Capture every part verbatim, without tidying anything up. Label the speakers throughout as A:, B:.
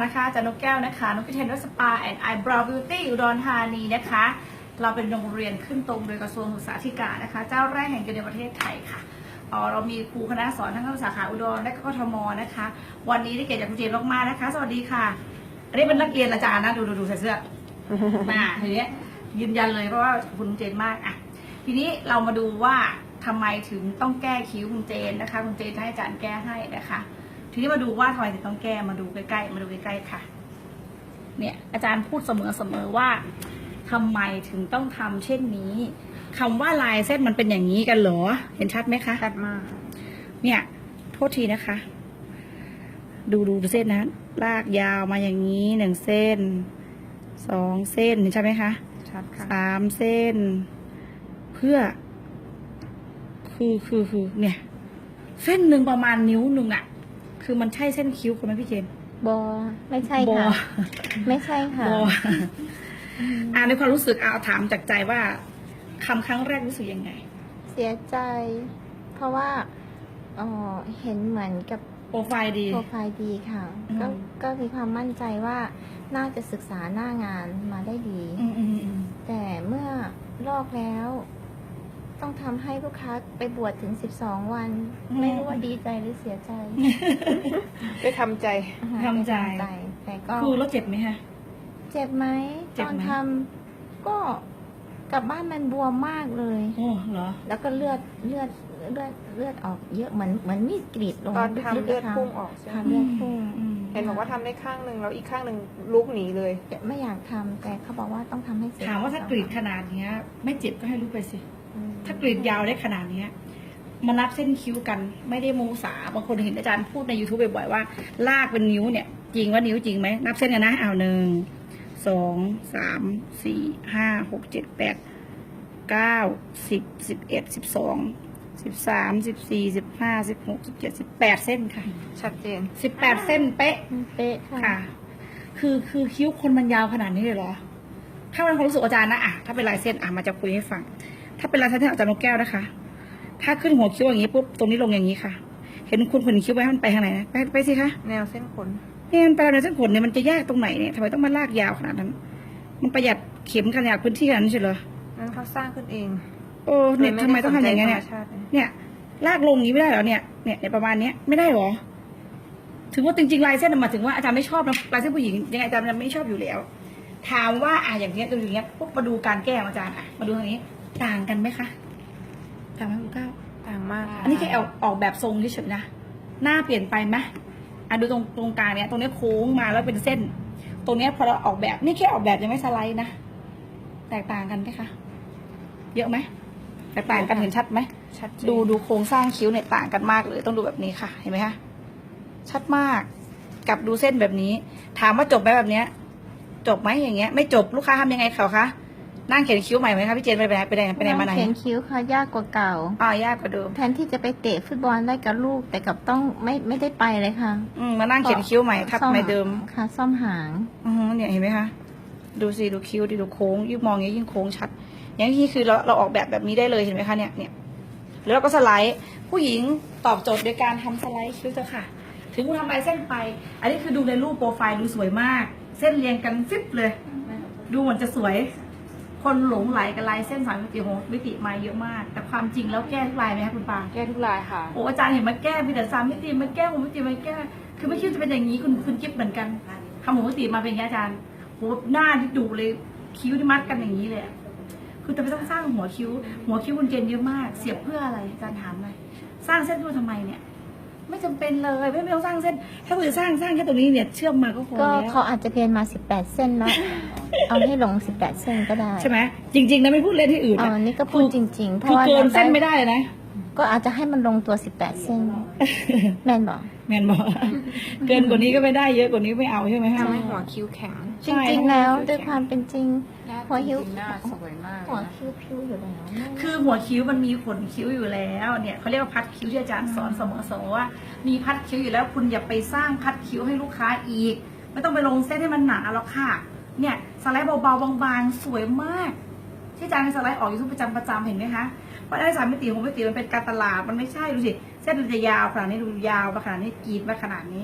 A: นะคะจากนกแก้วนะคะนกพิเทนรัสปาแอนด์ไอบราวบิวตี้อุดรธานีนะคะเราเป็นโรงเรียนขึ้นตรงโดยกระทรวงศึกษาธิการนะคะเจ้าแรกแห่งเดียวในประเทศไทยค่ะอ๋อเรามีครูคณะสอนทั้งสาขาอุดรและก็กทมนะคะวันนี้ได้เกียรติจากคุณเจนมากๆนะคะสวัสดีค่ะอันนี้เป็นนักเรียนอาจารย์นะดูดูดูใส่เสื้อมาทีนี้ยืนยันเลยเพราะว่าคุณเจนมากอ่ะทีนี้เรามาดูว่าทำไมถึงต้องแก้คิ้วคุณเจนนะคะคุณเจนให้อาจารย์แก้ให้นะคะทีนี้มาดูว่าทำไมถึงต้องแก้มาดูใกล้ๆมาดูใกล้ๆค่ะเนี่ยอาจารย์พูดเสมอๆว่าทำไมถึงต้องทำเช่นนี้คำว่าลายเส้นมันเป็นอย่างนี้กันเหรอเห็นชัดไหมคะ
B: ชัดมาก
A: เนี่ยโทษทีนะคะดูดูดูเส้นนะลากยาวมาอย่างนี้หนึ่งเส้นสองเส้นเห็นใช่ไหมคะ
B: ชัดค่ะ
A: สามเส้นเพื่อคือคือคือเนี่ยเส้นหนึ่งประมาณนิ้วหนึ่งอะคือมันใช่เส้นคิ้วคุณไหมพี่เจน
C: บอไม่ใช่ค่ะไม่ใช่ค่ะ
A: บออ่าในความรู้สึกเอาถามจากใจว่าคำครั้งแรกรู้สึกยังไง
C: เสียใจเพราะว่าอ๋อเห็นเหมือนกับ
A: โปรไฟล์ดี
C: โปรไฟล์ดีค่ะก็ก็มีความมั่นใจว่าน่าจะศึกษาหน้างานมาได้ดีแต่เมื่อลอกแล้วต้องทำให้ลูกค้าไปบวชถึงสิบสองวันไม่รู้ว่าดีใจหรือเสียใจ
B: ได้ทำใจ
A: ทำใจ
C: แต่ก็
A: คือแล้วเจ็บไหมคะ
C: เจ็บไหมตอนทำก็กลับบ้านมันบวมมากเลย
A: โอ้เหรอ
C: แล้วก็เลือดเลือดเลือดเลือดออกเยอะเหมือนเหมือนมีดกรีดลง
B: ตอนทำเลือดพุ่งออกใช่ไหม
C: เลือดพุ่ง
B: เห็นบอกว่าทำได้ข้างหนึ่งแล้วอีกข้างหนึ่งลุกหนีเลย
C: ไม่อยากทำแต่เขาบอกว่าต้องทำให้เสร็จ
A: ถามว่าถ้ากรีดขนาดนี้ไม่เจ็บก็ให้ลุกไปสิถ้ากรีดยาวได้ขนาดนี้มานับเส้นคิ้วกันไม่ได้โมสาบางคนเห็นอาจารย์พูดใน ยูทูบ บ่อยๆว่าลากเป็นนิ้วเนี่ยจริงว่านิ้วจริงไหมนับเส้นกันนะเอาหนึ่งสองสามสี่ห้าหกเจ็ดแปดเก้าสิบสิบเอ็ดสิบสองสิบสามสิบสี่สิบห้าสิบหกสิบเจ็ดสิบแปดเส้นค่ะ
B: ชัดเจน
A: สิบแปดเส้นเป๊ะ
C: เป๊ะ
A: ค่ะคือคือคิ้วคนมันยาวขนาดนี้เลยเหรอถ้าเป็นความรู้สึกอาจารย์นะอ่ะถ้าเป็นลายเส้นอ่ะมาจะคุยให้ฟังถ้าเป็นลายเส้นอาจารย์นกแก้วนะคะถ้าขึ้นหัวคิ้วอย่างนี้ปุ๊บตรงนี้ลงอย่างนี้ค่ะเห็นคุณขนคิ้วไว้มันไปทางไหนนะไปไปสิคะ
B: แนวเส้นขน
A: เนี่ยมันไปแนวเส้นขนเนี่ยมันจะยากตรงไหนเนี่ยทำไมต้องมาลากยาวขนาดนั้นมันประหยัดเข็มขนาดพื้นที่ขนาดนั้นใช่เหรอ
B: นั้นเขาสร้างขึ้นเอง
A: โอ้เนี่ยทำไมต้องทำอย่างนี้เนี่ยเนี่ยลากลงอย่างนี้ไม่ได้เหรอเนี่ยเนี่ยในประมาณเนี้ยไม่ได้หรอถึงว่าจริงๆลายเส้นมาถึงว่าอาจารย์ไม่ชอบนะลายเส้นผู้หญิงยังไงอาจารย์ไม่ชอบอยู่แล้วถามว่าอ่ะอย่างเงี้ยตรงอย่างเงี้ยปุ๊บมาดูการแก้ของอาจารย์อ่ะมาดูทางนี้ต่างกันไหมคะต่างไหมคุณก้าว
B: ต่างมาก
A: อันนี้แค่ออกออกแบบทรงเฉยๆนะหน้าเปลี่ยนไปไหมอ่ะดูตรงตรงกลางเนี้ยตรงนี้โค้งมาแล้วเป็นเส้นตรงเนี้ยพอเราออกแบบนี่แค่ออกแบบยังไม่สไลด์นะแตกต่างกันไหมคะเยอะไหมแตกต่างกันเห็นชัดไหม
B: ชัด
A: ดูดูโครงสร้างคิ้วเนี่ยต่างกันมากเลยต้องดูแบบนี้ค่ะเห็นไหมคะชัดมากกับดูเส้นแบบนี้ถามว่าจบไหมแบบเนี้ยจบไหมอย่างเงี้ยไม่จบลูกค้าทำยังไงเขาคะนั่งเขียนคิ้วใหม่ไหมคะพี่เจนไปไหนไปไหนไปไหนมาไหน
C: เขียนคิ้วค่ะยากกว่าเก่า
A: อ่ายากกว่าเดิม
C: แทนที่จะไปเตะฟุตบอลได้กับลูกแต่กับต้องไม่ไม่ได้ไปเลยค่ะ
A: อืมมานั่งเขียนคิ้วใหม่ทับใหม่เดิม
C: ค่ะซ่อมหาง
A: อือเนี่ยเห็นไหมคะดูสิดูคิ้วดิดูโค้งยิ่งมองยิ่งโค้งชัดอย่างนี้คือเราเราออกแบบแบบนี้ได้เลยเห็นไหมคะเนี่ยเนี่ยแล้วเราก็สไลด์ผู้หญิงตอบโจทย์โดยการทำสไลด์คิ้วเจ้าค่ะถึงคุณทำลายเส้นไปอันนี้คือดูในรูปโปรไฟล์ดูสวยมากเส้นเรียงกันฟิบเลยดูเหมือนจะสวยคนหลงไหลกับลายเส้นสามมิติโหมิติมาเยอะมากแต่ความจริงแล้วแก้ทุกลายไหมคะคุณปา
B: แก้ทุกลายค่ะ
A: โอ้อาจารย์เห็นมาแก้มีแต่สามมิติมาแก้หกมิติมาแก้คือไม่คิดจะเป็นอย่างนี้คุณคุณกิ๊บเหมือนกันทำหกมิติมาเป็นอย่างนี้อาจารย์โหหน้าที่ดุเลยคิ้วที่มัดกันอย่างนี้เลยคือจะไปต้องสร้างหัวคิ้วหัวคิ้วคุณเจนเยอะมากเสียบเพื่ออะไรอาจารย์ถามเลยสร้างเส้นด้วยทำไมเนี่ยไม่จำเป็นเลยไม่ไม่ต้องสร้างเส้นถ้าคุณจะสร้างสร้างแค่ตรงนี้เนี่ยเชื่อมมาก็พอแล้ว
C: ก็เขาอาจจะเรียนมาสิบแปดเส้นแล้วเอาให้ลงสิบแปดเส้นก็ได้
A: ใช่ไหมจริงๆนะไม่พูดเล่นที่อื่น
C: อ๋อนี่ก็พูดจริงๆเพราะ
A: ว่าเกินเส้นไม่ได้เลยนะ
C: ก็อาจจะให้มันลงตัวสิบแปดเส้นแมนบอก
A: แมนบอกเกินกว่านี้ก็ไม่ได้เยอะกว่านี้ไม่เอาใช่ไหม
B: ทำให้หัวคิ้วแข็ง
C: จริงๆแล้วด้วยความเป็นจริงหัวคิ้ว
B: หน้าสวยมาก
C: หัวคิ้วพิ้วอยู่แล้ว
A: คือหัวคิ้วมันมีขนคิ้วอยู่แล้วเนี่ยเขาเรียกว่าพัดคิ้วที่อาจารย์สอนเสมอๆว่ามีพัดคิ้วอยู่แล้วคุณอย่าไปสร้างพัดคิ้วให้ลูกค้าอีกไม่ต้องไปลงเส้นให้มันหนาหรอกค่ะเนี่ยสไลด์เบาๆบางๆสวยมากที่อาจารย์สไลด์ออกอยู่ทุกประจำประจำเห็นไหมคะเพราะได้สามมิติหกมิติมันเป็นการตลาดมันไม่ใช่ดูสิเส้นมันจะยาวขนาดนี้ดูยาวมาขนาดนี้กรีดมาขนาดนี้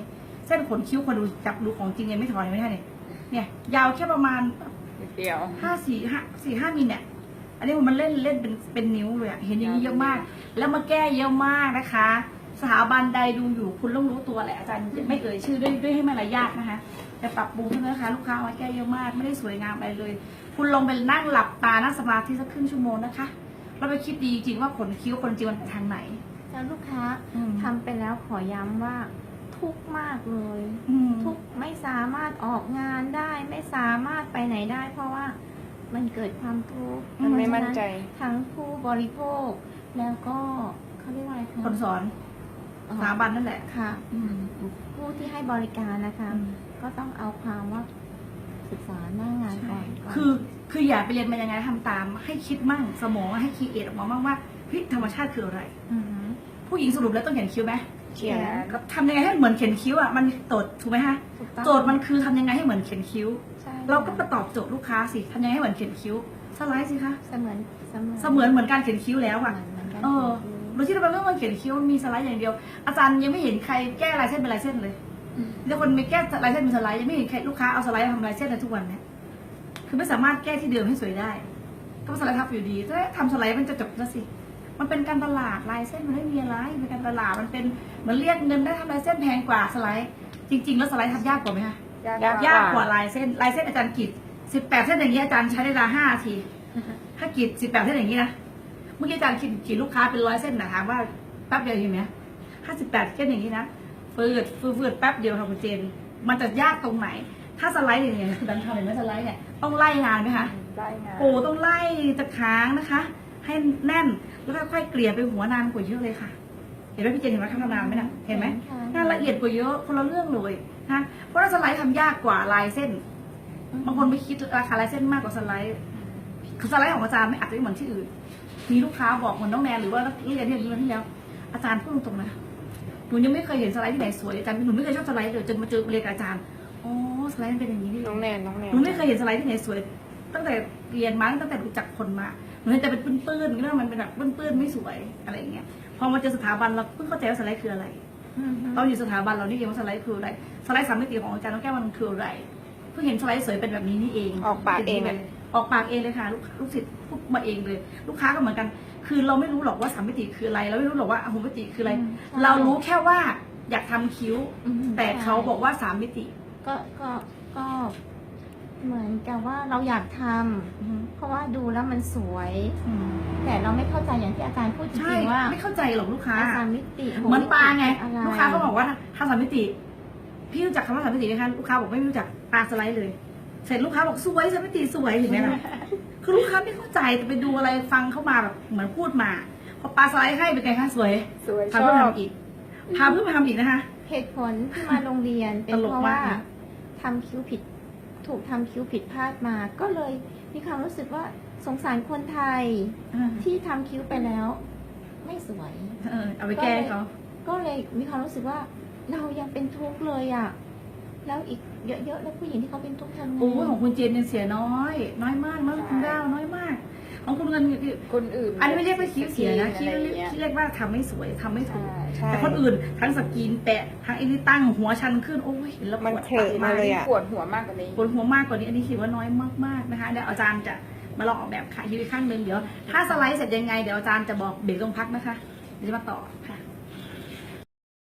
A: เส้นขนคิ้วคนดูจับดูของจริงยังไม่ถอนยังไม่ได้เนี่ยเนี่ยยาวแค่ประมาณ
B: นิดเดียว
A: ห้าสี่ห้าสี่ห้ามิลเนี่ยอันนี้มันเล่นเล่นเป็นเป็นนิ้วเลยอะเห็นอย่างนี้เยอะมาก แล้วมาแก้เยอะมากนะคะ สถาบันใดดูอยู่คุณต้องรู้ตัวแหละอาจารย์ไม่เอ่ยชื่อด้วยด้วยให้มารยาทนะคะแต่ปรับปรุงเท่านั้นนะคะลูกค้ามาแก้เยอะมากไม่ได้สวยงามอะไรเลย คุณลงไปนั่งหลับตานั่งสมาธิสักครึ่งชั่วโมงนะคะเราไปคิดดีจริงว่าขนคิ้วคนจริงมันไปทางไหน
C: แล้วลูกค้า
A: อืม
C: ทำไปแล้วขอย้ำว่าทุกข์มากเลย
A: อืม
C: ทุกข์ไม่สามารถออกงานได้ ไม่สามารถไปไหนได้ เพราะว่ามันเกิดความทุกข์
B: มันไม่มั่นใจ
C: เพราะฉะนั้นทั้งผู้บริโภค แล้วก็เขาเรียกว่าอะไรคะ
A: คนสอน
C: อ๋อ
A: สถาบันนั่นแหละ
C: ค่ะ ผู้ที่ให้บริการนะคะ
A: อืม
C: ก็ต้องเอาความว่าศึกษาหน้างานก่อนก่น
A: คือคืออย่าไปเรียนมายังไงทำตามให้คิดมั่งสมองให้คิดเอทออกมามั่งว่าเฮ้ยธรรมชาติคืออะไร
C: อือฮึ
A: ผู้หญิงสรุปแล้วต้องเขียนคิ้วไหม
B: เขียน
A: ก็ทำยังไงให้เหมือนเขียนคิ้วอ่ะมันโจทย์ถูกไหมคะ
C: ถูกต้อง
A: โจทย์มันคือทำยังไงให้เหมือนเขียนคิ้ว
C: ใช่
A: เราก็ไปตอบโจทย์ลูกค้าสิทำยังไงให้เหมือนเขียนคิ้วสไลด์สิคะ
C: เสมือนเสมือน
A: เสมือนเหมือนการเขียนคิ้วแล้วอ่ะ
C: เหมือนกัน
A: เออโดยที่เราเป็นเรื่องการเขียนคิ้วมีสไลด์อย่างเดียว อาจารย์ยังไม่เห็นใครแก้ลายเส้นเป็นลายเส้นเลยแล้วคนไม่แก้ลายเส้นเป็นสไลด์ยังไม่เห็นใครลูกค้าเอาสไลด์มาทำลายเส้นในทุกวันเนี่ยคือไม่สามารถแก้ที่เดิมให้สวยได้ก็สไลด์ทับอยู่ดีถ้าทำสไลด์มันจะจบแล้วสิมันเป็นการตลาดลายเส้นมันไม่มีอะไรเป็นการตลาดมันเป็นเหมือนเรียกเงินได้ทำลายเส้นแพงกว่าสไลด์จริง ๆ แล้วสไลด์ทำยากกว่าไหมคะ
B: ยาก
A: ยากกว่าลายเส้นลายเส้นอาจารย์กรีดสิบแปดเส้นอย่างนี้อาจารย์ใช้เวลาห้านาทีถ้ากรีดสิบแปดเส้นอย่างนี้นะเมื่อกี้อาจารย์กรีดกรีดลูกค้าเป็นร้อยเส้นนะถามว่าแป๊บเดียวเห็นไหมห้าสิบแปดเส้นอย่างนี้นะฟืดฟืดฟืดแป๊บเดียวค่ะคุณเจนมันจะยากตรงไหน ถ้าสไลด์อย่างเงี้ยคือดันทำเห็นไหมสไลด์เนี่ยต้องไล่งานไหมคะ
B: ได้งาน
A: โอ้ต้องไล่ตะค้างนะคะ ให้แน่นแล้วค่อยๆเกลี่ยไปหัวนานกว่าเยอะเลยค่ะ เห็นไหมพี่เจนเห็นไหมทำนานไหมนะเห็นไหม
C: ค่ะ
A: งานละเอียดกว่าเยอะคนละเรื่องเลยนะเพราะว่าสไลด์ทำยากกว่าลายเส้น บางคนไม่คิดราคาลายเส้นมากกว่าสไลด์คือสไลด์ของอาจารย์ไม่อาจจะไม่เหมือนที่อื่น มีลูกค้าบอกเหมือนน้องแนนหรือว่านักเรียนที่เรียนที่แล้วอาจารย์พูดตรงๆนะหนูยังไม่เคยเห็นสไลด์ที่ไหนสวยอาจารย์หนูไม่เคยชอบสไลด์เลยจนมาเจอเรียนกับอาจารย์อ๋อสไลด์มันเป็นอย่างนี้นี่เอง
B: น้องแนนน้องแนน
A: หนูไม่เคยเห็นสไลด์ที่ไหนสวย ตั้งแต่เรียนมาตั้งแต่รู้จักคนมาหนูเห็นแต่เป็นปื้นๆก็ว่ามันเป็นแบบปื้นๆไม่สวยอะไรอย่างเงี้ยพอมาเจอสถาบันเราเพิ่งเข้าใจว่าสไลด์คืออะไร
C: อือฮึ
A: ตอนอยู่สถาบันเรานี่เองว่าสไลด์คืออะไรสไลด์สามมิติของอาจารย์น้องแก้วมันคืออะไรเพิ่งเห็นสไลด์สวยเป็นแบบนี้นี่เอง
B: ออกปากเอง
A: ป็นแบบออกปากเองเลยค่ะลูกลูกศิษย์พูดมาเองเลย ลูกค้าก็เหมือนกัน คือเราไม่รู้หรอกว่าสามมิติคืออะไรเราไม่รู้หรอกว่าหกมิติคืออะไร เรารู้แค่ว่าอยากทำคิ้ว
C: อืม
A: แต่เขาบอกว่าสามมิติ
C: ก็ก็ก็เหมือนกับว่าเราอยากทำเพราะว่าดูแล้วมันสวย
A: อืม
C: แต่เราไม่เข้าใจอย่างที่อาจารย์พูดจ
A: ใช่
C: ริงๆว่า
A: ไม่เข้าใจหรอกลูกค้า
C: อาสามมิติ
A: เหมือนปลาไง
C: อะไร
A: ลูกค้าเขาบอกว่าทำสามมิติ พี่รู้จักคำว่าสามมิติไหมคะลูกค้าบอกไม่รู้จักปลาสไลด์เลย เสร็จลูกค้าบอกสวยสามมิติสวยเห็นไหมล่ะ คือลูกค้าไม่เข้าใจแต่ไปดูอะไรฟังเข้ามาแบบเหมือนพูดมาพอปลาสไลด์ให้เป็นไงคะสวย
B: สวยช
A: พา
B: อ
A: เพื่อน
B: บ
A: ทำอีกพาเพื่อนมาทำอีกนะคะ
C: เหตุผลที่มาโรงเรียนเป็น
A: ตลก
C: เพราะว่าม
A: ากนะ
C: ทำคิ้วผิด ถูกทำคิ้วผิดพลาดมา ก็เลยมีความรู้สึกว่าสงสารคนไทยที่ทำคิ้วไปแล้ว ไม่สวย
A: เออเอาไปแก้เขา
C: ก็เลยมีความรู้สึกว่าเรายังเป็นทุกข์เลยอ่ะ แล้วอีกเยอะๆแล้วผู้หญิงที่เขาเป็นทุกข์ทำไง
A: โอ้ยของคุณเจนเนี่ยเสียน้อย น้อยมากน้อยคุณดาวน้อยมาก ของคุณเงินคือ
B: คนอื่น
A: อันนี้ไม่เรียกว่าคิ้วเสียนะคิ้ว
B: อะไร
A: เรียก
B: เงี้ย
A: คิ้วเรียกว่าทำไม่สวยทำไม่ถูก
B: ใช่
A: แต่คนอื่นทั้งสกรีนแปะทั้งไอ้นี่ตั้งหัวชันขึ้นโอ้ยเห็นแล้วป
B: มัน
A: วด
B: เถอะมาเลยอ่ะ
D: ปวดหัวมากกว่านี้
A: ปวดหัวมากกว่านี้อันนี้คิดว่าน้อยมากๆนะคะเดี๋ยวอาจารย์จะมาลองออกแบบค่ะยืนข้างหนึ่งเดี๋ยวถ้าสไลด์เสร็จยังไงเดี๋ยวอาจารย์จะบอกเบรกลงพักนะคะเดี๋ยวจะมาต่อค่ะ